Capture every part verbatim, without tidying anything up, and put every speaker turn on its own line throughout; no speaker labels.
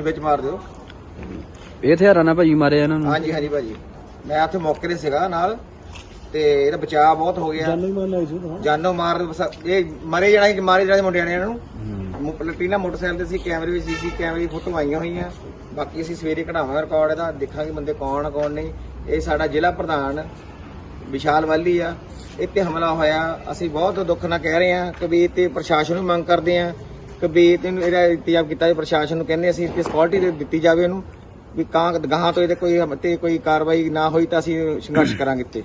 ਮੈਨੂੰ ਵਿੱਚ ਮਾਰ ਦਿਓ।
ਇਹ ਹਥਿਆਰਾਂ ਨਾਲ ਭਾਜੀ ਮਾਰਿਆ ਇਹਨਾਂ ਨੂੰ?
ਹਾਂਜੀ ਹਾਂਜੀ ਭਾਜੀ, ਮੈਂ ਉੱਥੇ ਮੌਕੇ ਤੇ ਸੀਗਾ ਨਾਲ, ਤੇ ਇਹਦਾ ਬਚਾਅ ਬਹੁਤ ਹੋ ਗਿਆ। ਜਾਨੋਂ ਮਾਰ ਜਾਨੋਂ ਮਾਰ ਇਹ ਮਰੇ ਜਾਣਾ ਸੀ, ਮਾਰੇ ਜਾਣੇ ਮੁੰਡਿਆਂ ਨੇ ਇਹਨਾਂ ਨੂੰ। ਪਲਟੀਨਾ ਮੋਟਰਸਾਈਕਲ ਤੇ ਸੀ, ਕੈਮਰੇ ਵਿੱਚ ਸੀਸੀ ਕੈਮਰੇ ਦੀ ਫੋਟੋ ਆਈਆਂ ਹੋਈਆਂ। ਬਾਕੀ ਅਸੀਂ ਸਵੇਰੇ ਕਢਾਵਾਂਗੇ ਰਿਕਾਰਡ ਇਹਦਾ, ਦੇਖਾਂਗੇ ਬੰਦੇ ਕੌਣ ਕੌਣ ਨਹੀਂ। ਇਹ ਸਾਡਾ ਜ਼ਿਲ੍ਹਾ ਪ੍ਰਧਾਨ ਵਿਸ਼ਾਲ ਵਾਲੀ ਆ, ਇਹ ਤੇ ਹਮਲਾ ਹੋਇਆ। ਅਸੀਂ ਬਹੁਤ ਦੁੱਖ ਨਾਲ ਕਹਿ ਰਹੇ ਹਾਂ ਕਿ ਵੀ ਤੇ ਪ੍ਰਸ਼ਾਸਨ ਨੂੰ ਮੰਗ ਕਰਦੇ ਹਾਂ ਕਿ ਵੀ ਇਹਨੂੰ ਇਹਦਾ ਇੰਤਜ਼ਾਮ ਕੀਤਾ ਜਾਵੇ। ਪ੍ਰਸ਼ਾਸਨ ਨੂੰ ਕਹਿੰਦੇ ਅਸੀਂ ਇਸ ਸਕਿਉਰਟੀ ਦਿੱਤੀ ਜਾਵੇ ਇਹਨੂੰ, ਵੀ ਕਾਂ ਗਾਹਾਂ ਤੋਂ ਇਹਦੇ ਕੋਈ ਤੇ ਕੋਈ ਕਾਰਵਾਈ ਨਾ ਹੋਈ ਤਾਂ ਅਸੀਂ ਸੰਘਰਸ਼ ਕਰਾਂਗੇ। ਇੱਥੇ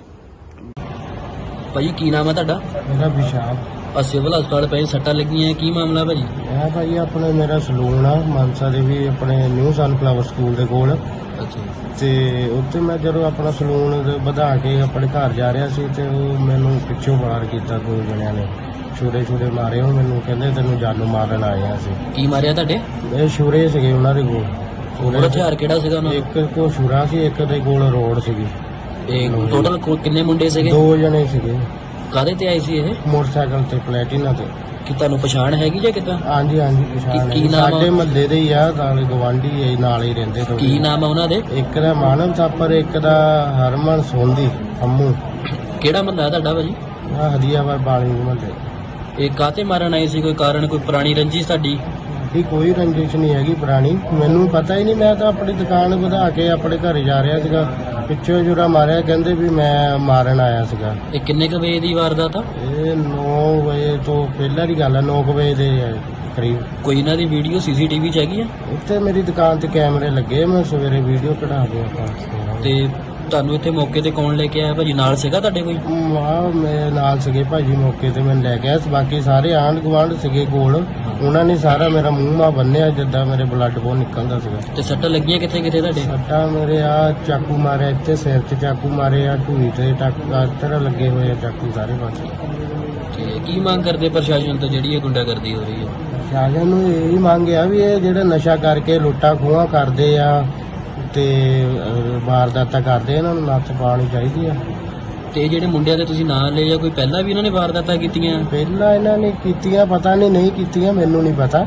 ਭਾਜੀ ਕੀ ਨਾਮ ਹੈ ਤੁਹਾਡਾ?
ਮੇਰਾ ਵਿਸ਼ਾਲ।
ਆ ਸਿਵਲ ਹਸਪਤਾਲ ਪਏ ਸੱਟਾਂ ਲੱਗੀਆਂ, ਕੀ ਮਾਮਲਾ ਭਾਜੀ?
ਇਹ ਭਾਈ ਆਪਣੇ ਮੇਰਾ ਸਲੂਨ ਆ ਮਾਨਸਾ ਦੇ ਵੀ ਆਪਣੇ ਨਿਊ ਸਨਫਲਾਵਰ ਸਕੂਲ ਦੇ ਕੋਲ।
ਅੱਛਾ।
ਤੇ ਉੱਥੇ ਮੈਂ ਜਦੋਂ ਆਪਣਾ ਸਲੂਨ ਵਧਾ ਕੇ ਆਪਣੇ ਘਰ ਜਾ ਰਿਹਾ ਸੀ ਤੇ ਉਹ ਮੈਨੂੰ ਪਿੱਛੋਂ ਫਾਇਰ ਕੀਤਾ ਦੋ ਜਣਿਆਂ ਨੇ, ਛੁਰੇ ਛੁਰੇ ਮਾਰੇ। ਉਹ ਮੈਨੂੰ ਕਹਿੰਦੇ ਤੈਨੂੰ ਜਾਨੋਂ ਮਾਰਨ ਆਏ ਆ ਅਸੀਂ।
ਕੀ ਮਾਰਿਆ ਤੁਹਾਡੇ?
ਇਹ ਛੁਰੇ ਸੀਗੇ ਉਹਨਾਂ ਦੇ ਕੋਲ।
ਹੋਰ ਹਥਿਆਰ ਕਿਹੜਾ ਸੀਗਾ ਉਹਨਾਂ
ਇੱਕ ਕੋਲ ਛੁਰਾ ਸੀ, ਇੱਕ ਦੇ ਕੋਲ ਰੋਡ ਸੀਗੀ।
ਇਹ ਟੋਟਲ ਕਿੰਨੇ ਮੁੰਡੇ ਸੀਗੇ?
ਦੋ ਜਣੇ ਸੀਗੇ।
ਕਾਹਦੇ ਤੇ ਆਏ ਸੀ ਇਹ?
ਮੋਟਰਸਾਈਕਲ ਤੇ, ਪਲੈਟੀਨਾ ਤੇ।
ਕਿ ਤੁਹਾਨੂੰ ਪਛਾਣ ਹੈਗੀ ਜਾਂ ਕਿੱਦਾਂ?
ਹਾਂਜੀ ਹਾਂਜੀ ਪਛਾਣ
ਕੀ
ਹੈ,
ਨਾਮ ਆ?
ਸਾਡੇ ਮਹੱਲੇ ਦੇ ਹੀ ਆ, ਨਾਲੇ ਗਵਾਂਢੀ ਹੈ, ਨਾਲ ਹੀ ਰਹਿੰਦੇ ਥੋੜ੍ਹੇ।
ਕੀ ਨਾਮ ਆ ਉਹਨਾਂ ਦੇ?
ਇੱਕ ਦਾ ਮਾਨਵ ਥਾਪਰ, ਇੱਕ ਦਾ ਹਰਮਨ ਸੋਂਦੀ ਅੰਮੂ।
ਕਿਹੜਾ ਮਹੱਲਾ ਤੁਹਾਡਾ ਭਾਜੀ?
ਆ ਹਦੀਆਬਾਦ ਬਾਣੀ ਮਹੱਲੇ।
ਇਹ ਕਾਹਤੇ ਮਾਰਨ ਆਏ ਸੀ? ਕੋਈ ਕਾਰਨ, ਕੋਈ ਪੁਰਾਣੀ ਰੰਜਿਸ਼ ਤੁਹਾਡੀ?
ਇਹ ਕੋਈ ਰੰਜਿਸ਼ ਨਹੀਂ ਹੈਗੀ ਪੁਰਾਣੀ, ਮੈਨੂੰ ਪਤਾ ਹੀ ਨਹੀਂ। ਮੈਂ ਤਾਂ ਆਪਣੀ ਦੁਕਾਨ ਵਧਾ ਕੇ ਆਪਣੇ ਘਰ ਜਾ ਰਿਹਾ ਸੀਗਾ, ਪਿੱਛੋਂ ਜੁਰਾ ਮਾਰਿਆ, ਕਹਿੰਦੇ ਵੀ ਮੈਂ ਮਾਰਨ ਆਇਆ ਸੀਗਾ।
ਇਹ ਕਿੰਨੇ ਕੁ ਵਜੇ ਦੀ ਵਾਰਦਾਤ ਆ?
ਇਹ ਨੌ ਵਜੇ ਤੋਂ ਪਹਿਲਾਂ ਦੀ ਗੱਲ ਹੈ, ਨੌ ਕੁ ਵਜੇ ਦੇ ਕਰੀਬ।
ਕੋਈ ਇਹਨਾਂ ਦੀ ਵੀਡੀਓ ਸੀਸੀਟੀਵੀ ਚ ਹੈਗੀ ਆ?
ਉੱਥੇ ਮੇਰੀ ਦੁਕਾਨ ਤੇ ਕੈਮਰੇ ਲੱਗੇ, ਮੈਂ ਸਵੇਰੇ ਵੀਡੀਓ ਕਢਾ ਕੇ ਆਪਾਂ।
ਤੇ ਤੁਹਾਨੂੰ ਇੱਥੇ ਮੌਕੇ ਤੇ ਕੌਣ ਲੈ ਕੇ ਆਇਆ ਭਾਜੀ? ਨਾਲ ਸੀਗਾ ਤੁਹਾਡੇ ਕੋਈ?
ਵਾਹ ਮੇਰੇ ਨਾਲ ਸੀਗੇ ਭਾਜੀ, ਮੌਕੇ ਤੇ ਮੈਨੂੰ ਲੈ ਗਿਆ। ਬਾਕੀ ਸਾਰੇ ਆਂਢ ਗੁਆਂਢ ਸੀਗੇ ਕੋਲ, ਉਹਨਾਂ ਨੇ ਸਾਰਾ ਮੇਰਾ ਮੂੰਹ ਮਾ ਬੰਨਿਆ ਜਿੱਦਾਂ ਮੇਰੇ ਬਲੱਡ ਬਹੁਤ ਨਿਕਲਦਾ ਸੀਗਾ।
ਤੇ ਸੱਟਾਂ ਲੱਗੀਆਂ ਕਿੱਥੇ ਕਿੱਥੇ ਤੁਹਾਡੇ?
ਸੱਟਾਂ ਮੇਰੇ ਆ ਚਾਕੂ ਮਾਰਿਆ, ਇੱਥੇ ਸਿਰ 'ਚ ਚਾਕੂ ਮਾਰੇ ਆ, ਢੂਈ ਤੇ ਟੱਕਰ ਲੱਗੇ ਹੋਏ ਆ ਚਾਕੂ ਸਾਰੇ ਪਾਸੇ।
ਤੇ ਕੀ ਮੰਗ ਕਰਦੇ ਪ੍ਰਸ਼ਾਸਨ ਤੋਂ ਜਿਹੜੀ ਇਹ ਗੁੰਡਾਗਰਦੀ ਹੋ ਰਹੀ ਹੈ?
ਪ੍ਰਸ਼ਾਸਨ ਨੂੰ ਇਹੀ ਮੰਗ ਆ ਵੀ ਇਹ ਜਿਹੜੇ ਨਸ਼ਾ ਕਰਕੇ ਲੁੱਟਾਂ ਖੋਹਾਂ ਕਰਦੇ ਆ ਤੇ ਵਾਰਦਾਤਾਂ ਕਰਦੇ, ਇਹਨਾਂ ਨੂੰ ਨੱਥ ਪਾਉਣੀ ਚਾਹੀਦੀ ਆ।
ਤੇ ਜਿਹੜੇ ਮੁੰਡਿਆਂ ਦੇ ਤੁਸੀਂ ਨਾਂ ਲਏ ਜਾਂ ਕੋਈ ਪਹਿਲਾਂ ਵੀ ਇਹਨਾਂ ਨੇ ਵਾਰਦਾਤਾਂ ਕੀਤੀਆਂ?
ਪਹਿਲਾਂ ਇਹਨਾਂ ਨੇ ਕੀਤੀਆਂ, ਪਤਾ ਨਹੀਂ ਨਹੀਂ ਕੀਤੀਆਂ, ਮੈਨੂੰ ਨਹੀਂ ਪਤਾ।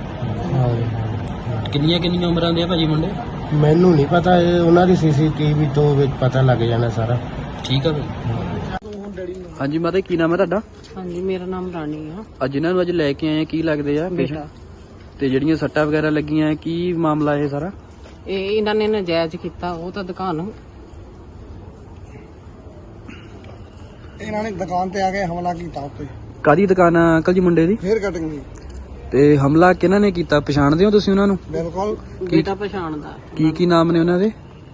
ਕਿੰਨੀਆਂ ਕਿੰਨੀਆਂ ਉਮਰਾਂ ਦੇ ਆ ਭਾਜੀ ਮੁੰਡੇ?
ਮੈਨੂੰ ਨਹੀਂ ਪਤਾ, ਇਹ ਉਹਨਾਂ ਦੀ ਸੀਸੀਟੀਵੀ ਤੋਂ ਵਿੱਚ ਪਤਾ ਲੱਗ ਜਾਣਾ ਸਾਰਾ।
ਠੀਕ ਆ ਭਾਈ। ਹਾਂਜੀ ਮਾਤਾ ਕੀ ਨਾਮ ਹੈ ਤੁਹਾਡਾ?
ਹਾਂਜੀ ਮੇਰਾ ਨਾਮ ਰਾਣੀ ਆ।
ਅੱਜ ਇਹਨਾਂ ਨੂੰ ਅੱਜ ਲੈ ਕੇ ਆਏ ਆ, ਕੀ ਲੱਗਦੇ ਆ?
ਬੇਟਾ।
ਤੇ ਜਿਹੜੀਆਂ ਸੱਟਾਂ ਵਗੈਰਾ ਲੱਗੀਆਂ, ਕੀ ਮਾਮਲਾ ਇਹ ਸਾਰਾ?
ਇਹ ਇਹਨਾਂ ਨੇ ਨਜਾਇਜ਼ ਕੀਤਾ, ਉਹ ਤਾਂ ਦੁਕਾਨ
ਇਹਨਾਂ ਨੇ ਦੁਕਾਨ ਤੇ ਆ ਕੇ ਹਮਲਾ ਕੀਤਾ ਉੱਤੇ।
ਕਾਦੀ ਦੁਕਾਨ ਆ ਅੰਕਲ ਜੀ ਮੁੰਡੇ ਦੀ?
ਫੇਰ ਕਟਿੰਗ ਦੀ।
ਤੇ ਹਮਲਾ ਕਿਹਨਾਂ ਨੇ ਕੀਤਾ, ਪਛਾਣਦੇ ਹੋ ਤੁਸੀਂ ਉਹਨਾਂ ਨੂੰ?
ਬਿਲਕੁਲ।
ਬੇਟਾ ਪਛਾਣਦਾ।
ਕੀ ਕੀ ਨਾਮ ਨੇ ਉਹਨਾਂ ਦੇ?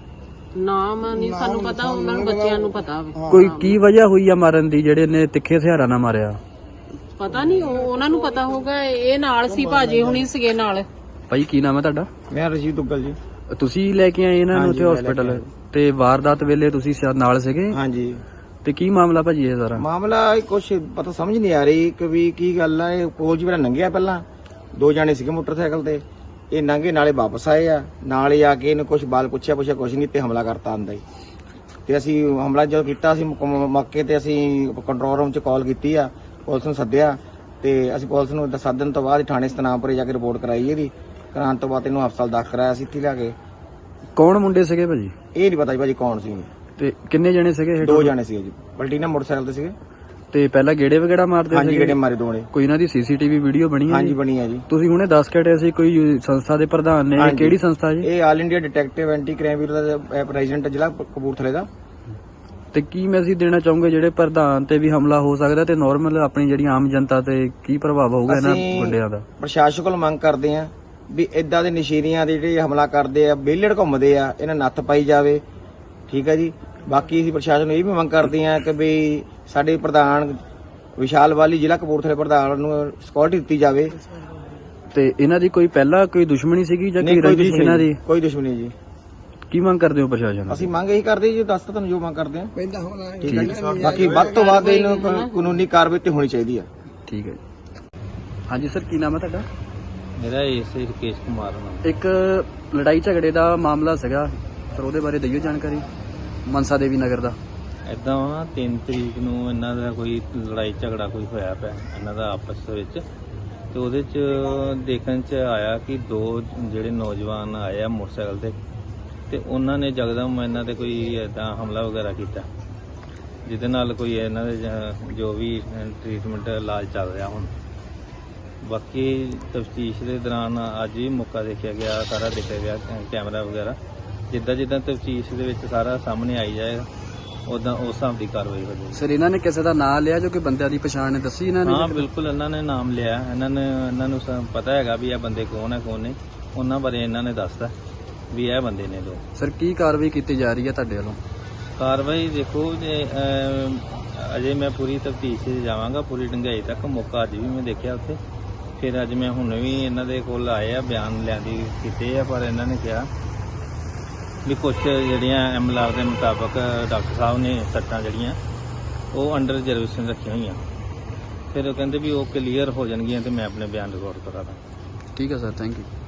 ਨਾਮ ਨਹੀਂ ਸਾਨੂੰ ਪਤਾ, ਉਹਨਾਂ ਨੂੰ ਬੱਚਿਆਂ ਨੂੰ ਪਤਾ ਹੋਵੇ।
ਕੋਈ ਕੀ ਵਜ੍ਹਾ ਹੋਈ ਆ ਮਾਰਨ ਦੀ, ਜਿਹੜੇ ਨੇ ਤਿੱਖੇ ਹਥਿਆਰਾਂ ਨਾਲ ਮਾਰਿਆ?
ਪਤਾ ਨਹੀਂ, ਉਹਨਾਂ ਨੂੰ ਪਤਾ ਹੋਊਗਾ। ਇਹ ਨਾਲ ਸੀ, ਭਾਜੀ ਹੁਣੀ ਸੀਗੇ ਨਾਲ।
ਭਾਈ ਕੀ ਨਾਮ ਹੈ ਤੁਹਾਡਾ?
ਮੈਂ ਰਜੀਵ ਦੁੱਗਲ ਜੀ।
ਤੁਸੀਂ ਲੈ ਕੇ ਆਏ ਇਹਨਾਂ ਨੂੰ ਉੱਥੇ ਹਸਪੀਟਲ? ਤੇ ਵਾਰਦਾਤ ਵੇਲੇ ਤੁਸੀਂ ਸ਼ਾਇਦ ਨਾਲ ਸੀਗੇ?
ਹਾਂਜੀ।
ਤੇ ਕੀ ਮਾਮਲਾ ਭਾਜੀ ਇਹ ਸਾਰਾ?
ਮਾਮਲਾ ਕੁਛ ਪਤਾ ਸਮਝ ਨਹੀਂ ਆ ਰਹੀ ਕਿ ਵੀ ਕੀ ਗੱਲ ਆ। ਇਹ ਕੋਲ ਜੀ ਮੇਰਾ ਲੰਘਿਆ, ਪਹਿਲਾਂ ਦੋ ਜਾਣੇ ਸੀਗੇ ਮੋਟਰਸਾਈਕਲ ਤੇ, ਇਹ ਲੰਘੇ ਨਾਲੇ ਵਾਪਸ ਆਏ ਆ, ਨਾਲ ਹੀ ਆ ਕੇ ਇਹਨੂੰ ਕੁਛ ਬਾਲ ਪੁੱਛਿਆ ਪੁੱਛਿਆ ਕੁਛ ਨਹੀਂ ਤੇ ਹਮਲਾ ਕਰਤਾ ਆਂਦਾ ਹੀ। ਤੇ ਅਸੀਂ ਹਮਲਾ ਜਦੋਂ ਕੀਤਾ, ਅਸੀਂ ਮੌਕੇ ਤੇ ਅਸੀਂ ਕੰਟਰੋਲ ਰੂਮ 'ਚ ਕਾਲ ਕੀਤੀ ਆ, ਪੁਲਿਸ ਨੂੰ ਸੱਦਿਆ, ਤੇ ਅਸੀਂ ਪੁਲਿਸ ਨੂੰ ਸੱਦਣ ਤੋਂ ਬਾਅਦ ਥਾਣੇ ਸਤਨਾਮਪੁਰੇ ਜਾ ਕੇ ਰਿਪੋਰਟ ਕਰਾਈ। ਇਹਦੀ ਕਰਾਉਣ ਤੋਂ ਬਾਅਦ ਇਹਨੂੰ ਹਸਪਤਾਲ ਦਾਖਲ ਕਰਾਇਆ ਸੀ ਇੱਥੇ ਲਿਆ ਕੇ।
ਕੌਣ ਮੁੰਡੇ ਸੀਗੇ ਭਾਜੀ?
ਇਹ ਨਹੀਂ ਪਤਾ ਜੀ ਭਾਜੀ ਕੌਣ ਸੀ।
ਤੇ ਕਿੰਨੇ ਜਣੇ ਸੀਗੇ ਇਹ?
ਦੋ ਜਾਣੇ ਸੀਗੇ ਜੀ, ਪਲਟੀਨਾ ਮੋਟਰਸਾਈਕਲ ਤੇ ਸੀਗੇ।
ਤੇ ਪਹਿਲਾਂ ਗੇੜੇ ਵਗੈਰਾ ਮਾਰਦੇ
ਹਾਂਜੀ,
ਸੀਗੇ?
ਗੇੜੇ ਮਾਰੇ ਦੋਨੇ।
ਕੋਈ ਇਹਨਾਂ ਦੀ ਸੀਸੀਟੀਵੀ ਵੀਡੀਓ ਬਣੀ ਹੈ?
ਹਾਂਜੀ ਬਣੀ ਹੈ ਜੀ।
ਤੁਸੀਂ ਹੁਣੇ ਦੱਸ ਕੇ ਹਟੇ ਸੀ ਕੋਈ ਸੰਸਥਾ ਦੇ ਪ੍ਰਧਾਨ ਨੇ, ਇਹ ਕਿਹੜੀ ਸੰਸਥਾ ਜੀ?
ਇਹ all India detective anti crime bureau ਦਾ ਪ੍ਰੈਜ਼ੀਡੈਂਟ ਜ਼ਿਲ੍ਹਾ ਕਪੂਰਥਲੇ ਦਾ।
ਤੇ ਕੀ ਮੈਸੇਜ ਦੇਣਾ ਚਾਹੋਗੇ, ਜਿਹੜੇ ਪ੍ਰਧਾਨ ਤੇ ਵੀ ਹਮਲਾ ਹੋ ਸਕਦਾ ਤੇ ਨਾਰਮਲ ਆਪਣੀ ਜਿਹੜੀ ਆਮ ਜਨਤਾ ਤੇ ਕੀ ਪ੍ਰਭਾਵ ਹੋਊਗਾ ਇਹਨਾਂ ਗੁੰਡਿਆਂ ਦਾ?
ਪ੍ਰਸ਼ਾਸਨ ਕੋਲ ਮੰਗ ਕਰਦੇ ਆ ਵੀ ਇਦਾਂ ਦੇ ਨਸ਼ੀਰੀਆਂ ਦੇ ਜਿਹੜੇ ਹਮਲਾ ਕਰਦੇ ਆ, ਬੇਲੜ ਘੁੰਮਦੇ ਆ, ਇਹਨਾਂ ਨੱਥ ਪਾਈ ਜਾਵੇ। ਠੀਕ ਹੈ ਜੀ। ਬਾਕੀ ਅਸੀਂ ਪ੍ਰਸ਼ਾਸਨ ਨੂੰ ਇਹ ਵੀ ਮੰਗ ਕਰਦੇ ਆ ਕਿ ਵੀ ਸਾਡੇ ਪ੍ਰਧਾਨ ਵਿਸ਼ਾਲ ਵਾਲੀ ਜ਼ਿਲ੍ਹਾ ਕਪੂਰਥਲੇ ਪ੍ਰਧਾਨ ਨੂੰ ਸਿਕਿਉਰਿਟੀ ਦਿੱਤੀ ਜਾਵੇ।
ਤੇ ਇਹਨਾਂ ਦੀ ਕੋਈ ਪਹਿਲਾਂ ਕੋਈ ਦੁਸ਼ਮਣੀ ਸੀਗੀ ਜਾਂ ਕੋਈ ਰੰਜਿਸ਼ ਇਹਨਾਂ ਦੀ?
ਕੋਈ ਦੁਸ਼ਮਣੀ ਜੀ।
ਕੀ ਮੰਗ ਕਰਦੇ ਹੋ ਪ੍ਰਸ਼ਾਸਨ?
ਅਸੀਂ ਮੰਗ ਇਹੀ ਕਰਦੇ ਜੀ, ਦੱਸ ਤੁਹਾਨੂੰ ਜੋ ਮੰਗ ਕਰਦੇ ਆ। ਠੀਕ ਹੈ ਜੀ। ਬਾਕੀ ਵੱਧ ਤੋਂ ਵੱਧ ਇਹਨੂੰ ਕਾਨੂੰਨੀ ਕਾਰਵਾਈ ਤੇ ਹੋਣੀ ਚਾਹੀਦੀ ਆ।
ਠੀਕ ਹੈ ਜੀ। ਹਾਂਜੀ ਸਰ ਕੀ ਨਾਮ ਹੈ ਤੁਹਾਡਾ?
ਮੇਰਾ ਏਸੇ ਰਕੇਸ਼ ਕੁਮਾਰ ਨਾਮ।
ਇੱਕ ਲੜਾਈ ਝਗੜੇ ਦਾ ਮਾਮਲਾ ਸੀਗਾ ਸਰ, ਉਹਦੇ ਬਾਰੇ ਦਿਓ ਜਾਣਕਾਰੀ। ਮਨਸਾ ਦੇਵੀ ਨਗਰ ਦਾ
ਏਦਾਂ ਵਾ ਤਿੰਨ ਤਰੀਕ ਨੂੰ ਇਹਨਾਂ ਦਾ ਕੋਈ ਲੜਾਈ ਝਗੜਾ ਕੋਈ ਹੋਇਆ ਪਿਆ ਇਹਨਾਂ ਦਾ ਆਪਸ ਵਿੱਚ, ਤੇ ਉਹਦੇ ਚ ਦੇਖਣ ਚ ਆਇਆ ਕਿ ਦੋ ਜਿਹੜੇ ਨੌਜਵਾਨ ਆਏ ਆ ਮੋਟਰਸਾਈਕਲ ਤੇ ਤੇ ਉਹਨਾਂ ਨੇ ਜਗਦਮ ਇਹਨਾਂ ਤੇ ਕੋਈ ਏਦਾਂ ਹਮਲਾ ਵਗੈਰਾ ਕੀਤਾ, ਜਿਹਦੇ ਨਾਲ ਕੋਈ ਇਹਨਾਂ ਦੇ ਜ- ਜੋ ਵੀ ਟ੍ਰੀਟਮੈਂਟ ਇਲਾਜ ਚੱਲ ਰਿਹਾ ਹੁਣ। ਬਾਕੀ ਤਫਤੀਸ਼ ਦੇ ਦੌਰਾਨ ਅੱਜ ਵੀ ਮੌਕਾ ਦੇਖਿਆ ਗਿਆ, ਸਾਰਾ ਦੇਖਿਆ ਗਿਆ ਕੈ- ਕੈਮਰਾ ਵਗੈਰਾ। ਜਿੱਦਾਂ ਜਿੱਦਾਂ ਤਫਤੀਸ਼ ਦੇ ਵਿੱਚ ਸਾਰਾ ਸਾਹਮਣੇ ਆਈ ਜਾਏਗਾ ਉਦਾਂ ਉਸ ਹਿਸਾਬ ਦੀ ਕਾਰਵਾਈ ਹੋ ਜਾਏਗੀ।
ਸਰ ਇਹਨਾਂ ਨੇ ਕਿਸੇ ਦਾ ਨਾਂ ਲਿਆ ਜੋ ਕਿ ਬੰਦਿਆਂ ਦੀ ਪਛਾਣ ਨੇ ਦੱਸੀ ਇਹਨਾਂ ਨੇ?
ਹਾਂ ਬਿਲਕੁਲ, ਇਹਨਾਂ ਨੇ ਨਾਮ ਲਿਆ, ਇਹਨਾਂ ਨੇ ਇਹਨਾਂ ਨੂੰ ਸ- ਪਤਾ ਹੈਗਾ ਵੀ ਇਹ ਬੰਦੇ ਕੌਣ ਹੈ ਕੌਣ ਨਹੀਂ, ਉਹਨਾਂ ਬਾਰੇ ਇਹਨਾਂ ਨੇ ਦੱਸਦਾ ਵੀ ਇਹ ਬੰਦੇ ਨੇ ਦੋ।
ਸਰ ਕੀ ਕਾਰਵਾਈ ਕੀਤੀ ਜਾ ਰਹੀ ਹੈ ਤੁਹਾਡੇ ਵੱਲੋਂ?
ਕਾਰਵਾਈ ਦੇਖੋ ਜੇ ਅਮ, ਅਜੇ ਮੈਂ ਪੂਰੀ ਤਫਤੀਸ਼ 'ਚ ਜਾਵਾਂਗਾ, ਪੂਰੀ ਡੂੰਘਾਈ ਤੱਕ। ਮੌਕਾ ਅੱਜ ਵੀ ਮੈਂ ਦੇਖਿਆ ਉੱਥੇ, ਫਿਰ ਅੱਜ ਮੈਂ ਹੁਣ ਵੀ ਇਹਨਾਂ ਦੇ ਕੋਲ ਆਏ ਆ, ਬਿਆਨ ਲਿਆਂਦੀ ਕੀਤੇ ਆ, ਪਰ ਇਹਨਾਂ ਨੇ ਕਿਹਾ ਵੀ ਕੁਝ ਜਿਹੜੀਆਂ ਐਮਐਲਆਰ ਦੇ ਮੁਤਾਬਕ ਡਾਕਟਰ ਸਾਹਿਬ ਨੇ ਸੱਟਾਂ ਜਿਹੜੀਆਂ ਉਹ ਅੰਡਰ ਰਿਜ਼ਰਵੇਸ਼ਨ ਰੱਖੀਆਂ ਹੋਈਆਂ, ਫਿਰ ਉਹ ਕਹਿੰਦੇ ਵੀ ਉਹ ਕਲੀਅਰ ਹੋ ਜਾਣਗੀਆਂ ਤੇ ਮੈਂ ਆਪਣੇ ਬਿਆਨ ਰਿਕਾਰਡ ਕਰਾ ਦਾਂ।
ਠੀਕ ਹੈ ਸਰ, ਥੈਂਕ ਯੂ।